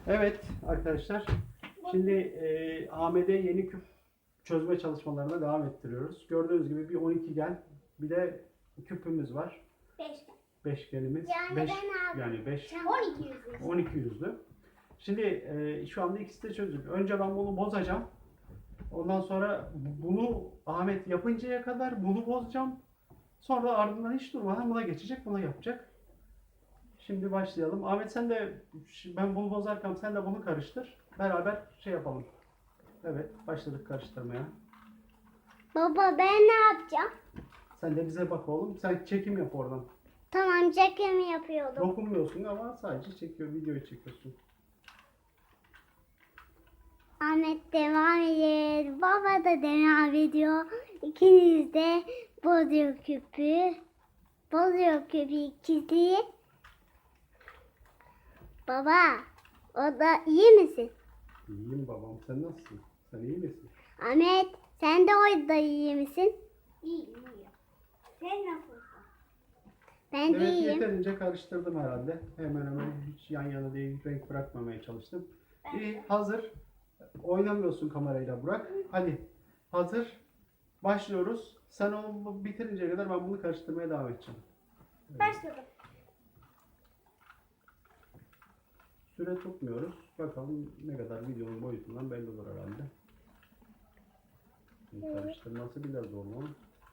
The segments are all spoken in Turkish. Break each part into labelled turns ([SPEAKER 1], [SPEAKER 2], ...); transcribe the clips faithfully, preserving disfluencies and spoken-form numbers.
[SPEAKER 1] Evet arkadaşlar, şimdi e, A M D yeni küp çözme çalışmalarına devam ettiriyoruz. Gördüğünüz gibi bir on iki gen, bir de küpümüz var.
[SPEAKER 2] Beşgen.
[SPEAKER 1] Beşgenimiz.
[SPEAKER 2] Yani
[SPEAKER 1] beş,
[SPEAKER 2] ben abi.
[SPEAKER 1] yani beş,
[SPEAKER 2] on iki yüzlü.
[SPEAKER 1] on iki yüzlü. Şimdi e, şu anda ikisi de çözük. Önce ben bunu bozacağım. Ondan sonra bunu Ahmet yapıncaya kadar bunu bozacağım. Sonra ardından hiç durmadan buna geçecek, buna yapacak. Şimdi başlayalım. Ahmet sen de, ben bunu bozarken sen de bunu karıştır. Beraber şey yapalım. Evet, başladık karıştırmaya.
[SPEAKER 2] Baba ben ne yapacağım?
[SPEAKER 1] Sen de bize bak oğlum. Sen çekim yap oradan.
[SPEAKER 2] Tamam, çekimi yapıyordum.
[SPEAKER 1] Dokunmuyorsun ama sadece çekiyor, videoyu çekiyorsun.
[SPEAKER 2] Ahmet devam ediyor. Baba da devam ediyor. İkiniz de bozuyor küpü. Bozuyor küpü ikisi. Baba, o da iyi misin?
[SPEAKER 1] İyiyim babam. Sen nasılsın? Sen iyi misin?
[SPEAKER 2] Ahmet, sen de orada iyi misin? İyiyim, iyiyim. Sen nasılsın? Ben de
[SPEAKER 1] Evet,
[SPEAKER 2] iyiyim.
[SPEAKER 1] yeterince karıştırdım herhalde. Hemen hemen hiç yan yana değil, renk bırakmamaya çalıştım. İyi, hazır. Oynamıyorsun kamerayla Burak. Hadi, hazır. Başlıyoruz. Sen onu bitirinceye kadar ben bunu karıştırmaya devam edeceğim. Evet.
[SPEAKER 2] Başladım.
[SPEAKER 1] Süre tutmuyoruz. Bakalım ne kadar videonun boyutundan belli olur herhalde. Şimdi karıştırması biraz zor mu?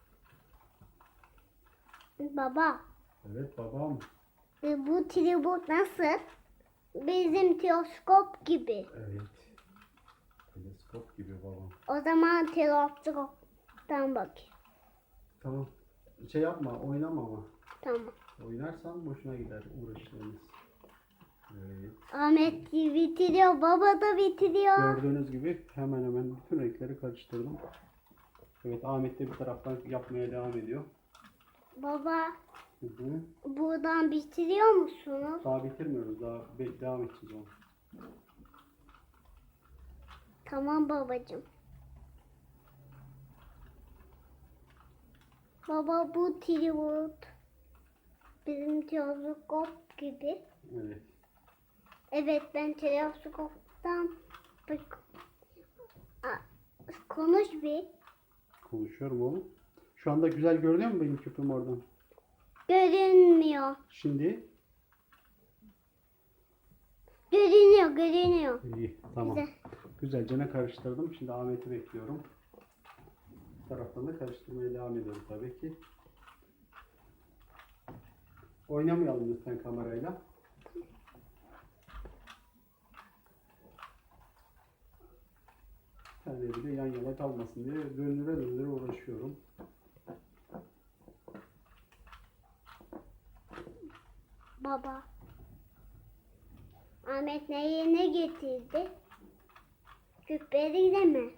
[SPEAKER 2] Baba,
[SPEAKER 1] Evet babam.
[SPEAKER 2] e, bu tribut nasıl? Bizim teleskop gibi.
[SPEAKER 1] Evet. Teleskop gibi babam.
[SPEAKER 2] O zaman teleskoptan bak.
[SPEAKER 1] Tamam. Şey yapma, oynama ama.
[SPEAKER 2] Tamam.
[SPEAKER 1] Oynarsan boşuna gider uğraşlarımız. Evet.
[SPEAKER 2] Ahmet bitiriyor, baba da bitiriyor.
[SPEAKER 1] Gördüğünüz gibi hemen hemen bütün renkleri karıştırdım. Evet, Ahmet de bir taraftan yapmaya devam ediyor.
[SPEAKER 2] Baba,
[SPEAKER 1] Hı hı.
[SPEAKER 2] buradan bitiriyor musunuz?
[SPEAKER 1] Daha bitirmiyoruz, daha be- devam edeceğiz onu.
[SPEAKER 2] Tamam babacığım. Baba, bu tribut bizim teleskop gibi.
[SPEAKER 1] Evet.
[SPEAKER 2] Evet, ben teleskoptan bak. Aa, konuş bir.
[SPEAKER 1] Konuşuyorum oğlum. Şu anda güzel görünüyor mu benim küpüm oradan?
[SPEAKER 2] Görünmüyor.
[SPEAKER 1] Şimdi
[SPEAKER 2] Görünüyor, görünüyor.
[SPEAKER 1] iyi, tamam.
[SPEAKER 2] Güzel.
[SPEAKER 1] Güzelce ne karıştırdım. Şimdi Ahmet'i bekliyorum. Bu taraftan da karıştırmaya devam ediyorum tabii ki. Oynamayalım lütfen kamerayla. Telleri de yan yana kalmasın diye döndüre döndüre uğraşıyorum.
[SPEAKER 2] Baba. Ahmet neye ne getirdi? Küpleri de mi?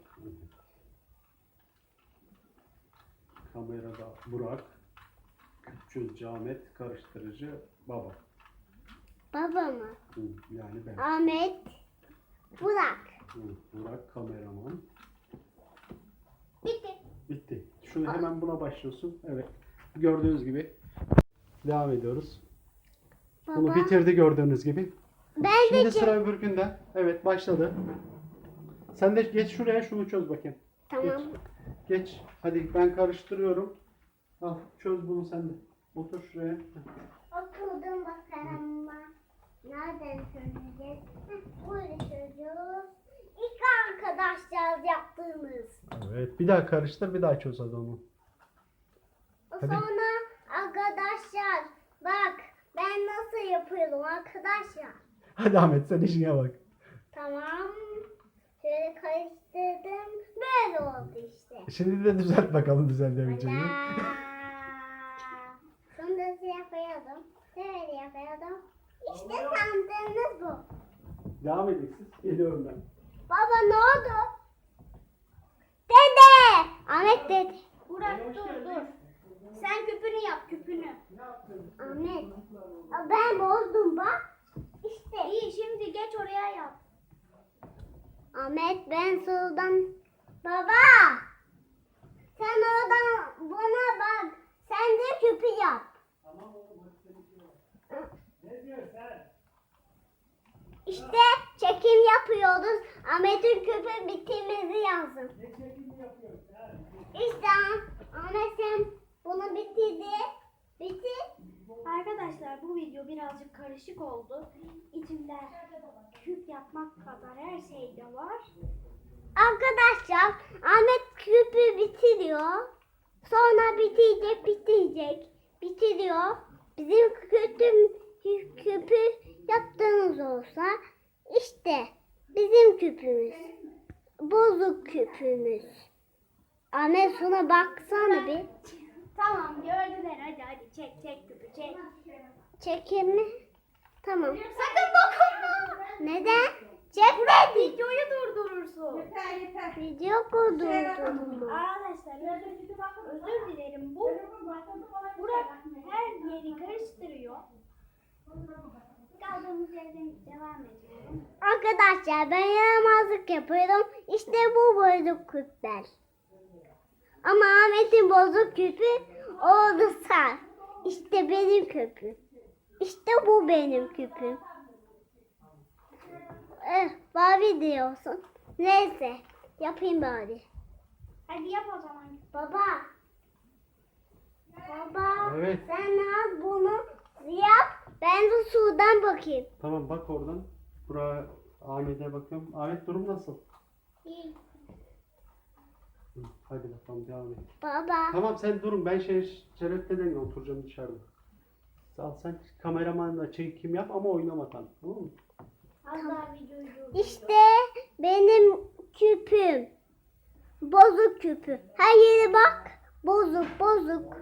[SPEAKER 1] Kamerada Burak, küpçüzcü Ahmet, karıştırıcı baba.
[SPEAKER 2] Baba mı?
[SPEAKER 1] Hı, yani ben.
[SPEAKER 2] Ahmet. Burak.
[SPEAKER 1] Hı, Burak kameraman.
[SPEAKER 2] Bitti.
[SPEAKER 1] Bitti. Şunu hemen buna başlıyorsun. Evet. Gördüğünüz gibi devam ediyoruz.
[SPEAKER 2] Baba.
[SPEAKER 1] Bunu bitirdi gördüğünüz gibi.
[SPEAKER 2] Ben
[SPEAKER 1] Şimdi
[SPEAKER 2] de
[SPEAKER 1] sıra öbürkünde. Evet, başladı. Sen de geç şuraya, şunu çöz bakayım.
[SPEAKER 2] Tamam.
[SPEAKER 1] Geç. Geç. Hadi ben karıştırıyorum. Al, çöz bunu sen de. Otur şuraya.
[SPEAKER 2] Oturdum bakalım. Nereden çözeceğiz? Heh, Böyle çözüyoruz. İlk arkadaşlar yaptığımız.
[SPEAKER 1] Evet. Bir daha karıştır, bir daha çöz hadi onu. Hadi.
[SPEAKER 2] Sonra arkadaşlar bak ben nasıl yapıyorum arkadaşlar.
[SPEAKER 1] Hadi Ahmet, sen işine bak.
[SPEAKER 2] Tamam. Şöyle karıştırdım. Böyle oldu işte.
[SPEAKER 1] Şimdi de düzelt bakalım düzeltebileceğini.
[SPEAKER 2] Hala. Şunu da yapıyordum. Böyle yapıyordum. İşte sandığınız bu.
[SPEAKER 1] Devam edin siz. Geliyorum ben.
[SPEAKER 2] Baba ne oldu? Dede. Ahmet dede. Burak dur dur. Sen küpünü yap küpünü. Ahmet. Aa, ben bozdum bak. İşte. İyi şimdi geç oraya yap. Ahmet ben soldan. Baba. Sen oradan buna bak. Sen de küpü yap.
[SPEAKER 1] Tamam oğlum, hadi seninki var. Ne diyorsun sen?
[SPEAKER 2] İşte çekim yapıyoruz. Ahmet'in küpü bitirmesi lazım.
[SPEAKER 1] Ne çekimi yapıyorsun? Ha,
[SPEAKER 2] İşte Ahmet sen bunu bitirdi. Bitir. Arkadaşlar bu video birazcık karışık oldu. İçinde küp yapmak kadar her şey de var. Arkadaşlar Ahmet küpü bitiriyor. Sonra bitecek bitecek. Bitiriyor. Bizim küpüm, küpü yaptığınız olsa işte bizim küpümüz. Bozuk küpümüz. Ahmet şuna baksana bir. Tamam gördüler hadi hadi çek çek küpü çek. Çekeyim mi? Tamam. Sakın dokunma. Neden? Çekme. Videoyu durdurursun.
[SPEAKER 3] Yeter yeter.
[SPEAKER 2] Video durdurdum.
[SPEAKER 3] Arkadaşlar
[SPEAKER 2] Özür dilerim. Bu Burak her yeri karıştırıyor. Kaldığımız yerden devam ediyorum. Arkadaşlar ben yaramazlık yapıyorum. İşte bu bozuk küpler. Ama Ahmet'in bozuk küpü oldu sar. İşte benim küpüm. İşte bu benim küpüm. Eh, Barbie diyorsun. Neyse yapayım bari. Hadi yap o zaman. Baba. Baba.
[SPEAKER 1] Evet.
[SPEAKER 2] Sen az bunu yap. Ben de sudan bakayım.
[SPEAKER 1] Tamam bak oradan. Buraya Ahmet'e bakıyorum. Ahmet durum nasıl?
[SPEAKER 2] İyi.
[SPEAKER 1] Hı, hadi bakalım devam et.
[SPEAKER 2] Baba.
[SPEAKER 1] Tamam sen durun ben şey şereften oturacağım dışarıda. Al sen kameramanla çekim yap ama oynama tamam mı?
[SPEAKER 2] İşte benim küpüm. Bozuk küpü. Her yere bak. Bozuk bozuk.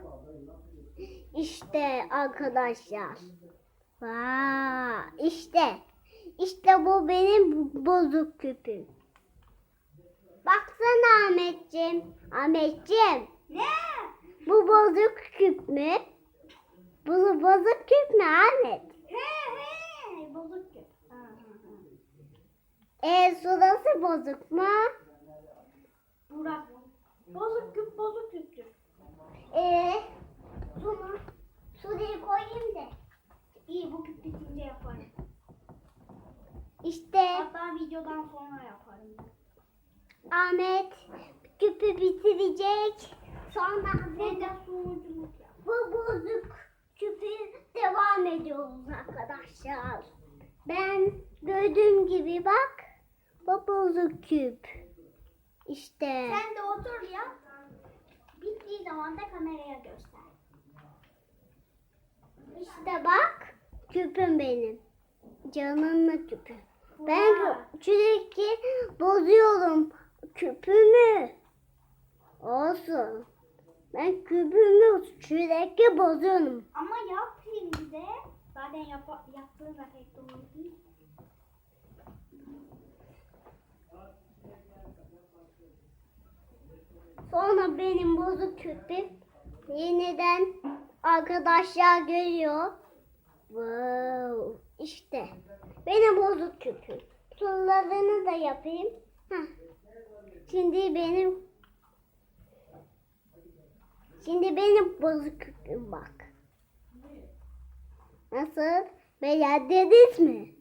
[SPEAKER 2] İşte arkadaşlar. Vaa, işte. İşte bu benim bozuk küpüm. Baksana Ahmetciğim. Ahmetciğim. Ne? Bu bozuk küp mü? Bu bozuk küp mü Ahmet? He he. Bozuk küp. E şurası bozuk mu? Burak. Bozuk küp bozuk küptür. E şunu şuraya koyayım da. İyi bu küp bitince yaparım. İşte. Hatta videodan sonra yaparım. Ahmet küpü bitirecek. Sonra ben de sunuculuk yap. Bu bozuk küpü devam ediyoruz arkadaşlar. Ben gördüğüm gibi bak. Bu bozuk küp. İşte. Sen de otur ya. Bittiği zaman da kameraya göster. İşte bak. Küpüm benim. Canımla küpüm. Ben sürekli bozuyorum küpümü. Olsun. Ben küpümü sürekli bozuyorum. Ama yap şimdi. Zaten yap yaptığın da pek doğru değil. Sonra benim bozuk küpüm yeniden arkadaşlar görüyor. Wow. İşte benim bozuk küpüm. Turlarını da yapayım. Heh. Şimdi benim Şimdi benim bozuk küpüm bak. Nasıl? Beğendiniz mi?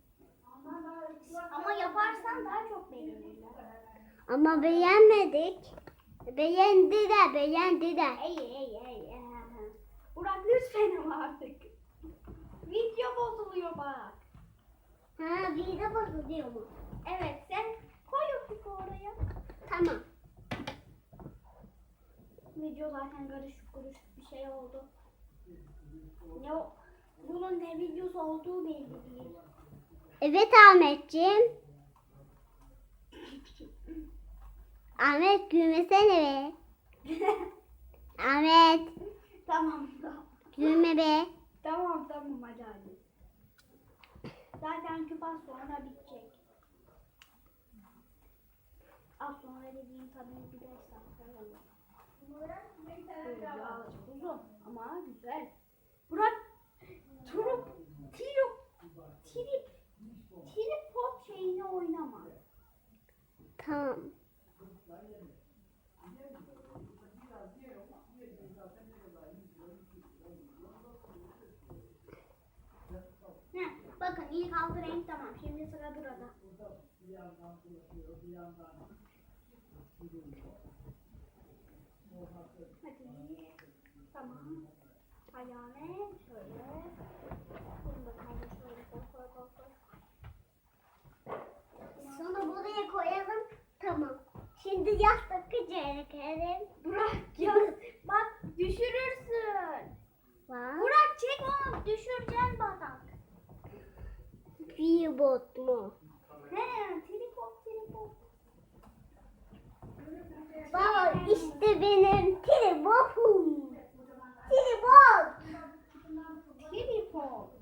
[SPEAKER 2] Ama yaparsan daha çok beğenirler. Ama beğenmedik. Beğendiler, beğendiler. Ey ey ey. Burak lütfen ama artık. Video bozuluyor bak. Ha video bozuluyor mu? Evet sen koy o küpü oraya. Tamam. Video zaten karışık karışık bir şey oldu. Ne o? Bunun ne videosu olduğu belli değil. Evet Ahmetciğim. Ahmet gülmesene be. Ahmet. Tamam tamam. Gülme be. Tamam tamam hadi hadi. Zaten küp az sonra bitecek. Az sonra dediğim tabii bir beş dakika olur. Böyle birazcık uzun ama güzel. Burak turup tirip trip tripod şeyini oynama. Tamam. Heh, bakın İlk altı renk tamam. Şimdi sıra burada. Hadi. Tamam. Ayağını şöyle. Bunu da kaldır şöyle koy koy koy koy. Sonra buraya koyalım. Tamam. Şimdi yastık çekelim. Burak ya bak düşürürsün. Bak. Burak çek onu düşüreceksin bak. Bir bot mu? He, tripod tripod. Baba işte benim tripodum. Tripod. Tripod.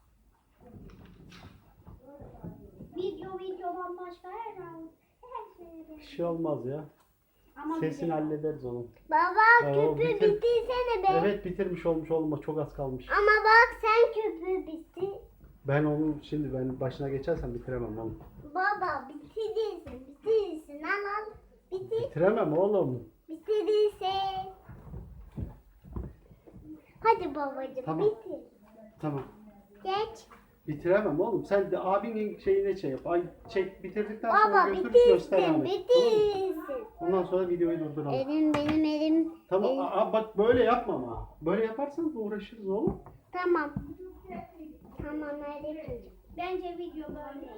[SPEAKER 2] Video videodan başka her an her şey.
[SPEAKER 1] Bir şey olmaz ya.
[SPEAKER 2] Ama
[SPEAKER 1] Sesini
[SPEAKER 2] video-
[SPEAKER 1] hallederiz onun.
[SPEAKER 2] Baba
[SPEAKER 1] Ya,
[SPEAKER 2] küpü
[SPEAKER 1] bitir-
[SPEAKER 2] bitirsene be.
[SPEAKER 1] Evet bitirmiş olmuş olma çok az kalmış.
[SPEAKER 2] Ama bak sen küpü bitir.
[SPEAKER 1] Ben onun şimdi ben başına geçersem bitiremem oğlum.
[SPEAKER 2] Baba bitirirsin bitirirsin al al. Bitir
[SPEAKER 1] Bitiremem oğlum.
[SPEAKER 2] bitirirsin. Hadi babacığım
[SPEAKER 1] Tamam.
[SPEAKER 2] bitir.
[SPEAKER 1] Tamam.
[SPEAKER 2] Geç.
[SPEAKER 1] Bitiremem oğlum. Sen de abinin şeyine şey yap. Ay çek bitirdikten sonra
[SPEAKER 2] Baba
[SPEAKER 1] götürüp göster
[SPEAKER 2] bitirsin
[SPEAKER 1] Ahmet.
[SPEAKER 2] bitirsin.
[SPEAKER 1] Ondan sonra videoyu durduralım.
[SPEAKER 2] Elim benim elim.
[SPEAKER 1] Tamam
[SPEAKER 2] elim-
[SPEAKER 1] aa, bak böyle yapma ama. Böyle yaparsanız uğraşırız oğlum.
[SPEAKER 2] Tamam. Tamam hadi. Bence video böyle.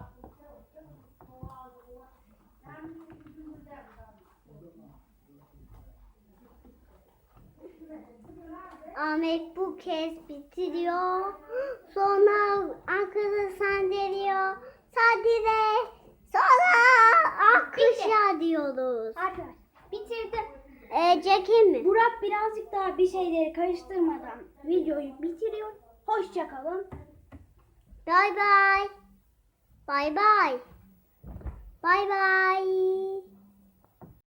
[SPEAKER 2] Ahmet bu kez bitiriyor. Sonra arkada sandalıyor. Sadire. Sonra akışa diyoruz. Arkadaşlar bitirdim. Ee, çekeyim mi? Burak birazcık daha bir şeyleri karıştırmadan videoyu bitiriyor. Hoşça kalın. Bay bay. Bay bay. Bay bay.